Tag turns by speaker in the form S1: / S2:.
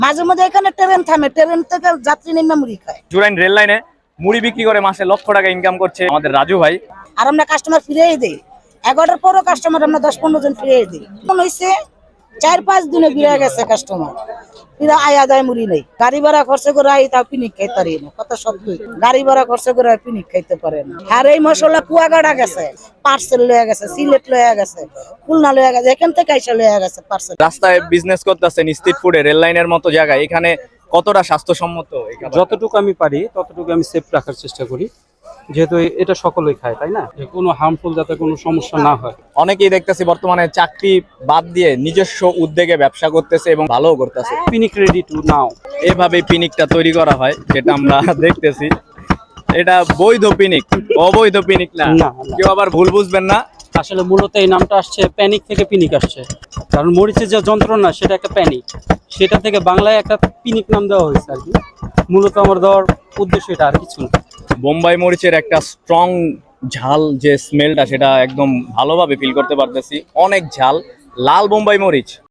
S1: মাঝে মধ্যে এখানে ট্রেন থামে, ট্রেন থেকে যাত্রী নেমে মুড়ি খায়।
S2: জুরাইন রেল লাইনে মুড়ি বিক্রি করে মাসে লক্ষ টাকা ইনকাম করছে আমাদের রাজু ভাই।
S1: আর আমরা কাস্টমার ফিরিয়ে দিই, 11টার পরও কাস্টমার আমরা 10-15 জন ফিরিয়ে দিই। মনে হয়েছে 4-5 দিনে ফিরে গেছে কাস্টমার, ফিরে আয়া যায় মুড়ি নেই। গাড়ি ভাড়া খরচ করে আই তাও পিনিক খাইতে পারি না, কত শব্দ। গাড়ি ভাড়া খরচ করে পিনিক খাইতে পারে না। আর এই মশলা কুয়াগাড়া গেছে, পার্সেল লয়ে গেছে, সিলেট লয়ে গেছে, খুলনা লয়ে গেছে, এখান থেকে আইসা লয়ে গেছে পার্সেল।
S2: রাস্তায় বিজনেস করতেছেন স্ট্রিট ফুডে, রেল লাইনের মতো জায়গায়, এখানে কতটা স্বাস্থ্যসম্মত?
S3: যতটুকু আমি পারি ততটুকু আমি সেফ রাখার চেষ্টা করি, যেহেতু এটা সকলেই খায়, তাই না? যে কোনো হার্মফুল যাতে কোনো সমস্যা না হয়।
S2: অনেকেই দেখতেছি বর্তমানে চাকরি বাদ দিয়ে নিজস্ব উদ্যোগে ব্যবসা করতেছে এবং ভালোও করতেছে।
S3: পিনিক রেডি টু নাও,
S2: এভাবে পিনিকটা তৈরি করা হয়, যেটা আমরা দেখতেছি। এটা বৈধ পিনিক, অবৈধ পিনিক না।
S3: না, না।
S2: কেউ আবার ভুল বুঝবেন না।
S3: আসলে মূলত এই নামটা আসছে প্যানিক থেকে, পিনিক আসছে। কারণ মরিচের যে যন্ত্রণা সেটা একটা প্যানিক, সেটা থেকে বাংলায় একটা পিনিক নাম দেওয়া হয়েছে আর কি। মূলত আমার দেওয়ার উদ্দেশ্য এটা, আর কিছু না।
S2: বোম্বাই মরিচের একটা স্ট্রং ঝাল যে স্মেলটা, সেটা একদম ভালোভাবে ফিল করতে পারতেছি। অনেক ঝাল, লাল বোম্বাই মরিচ।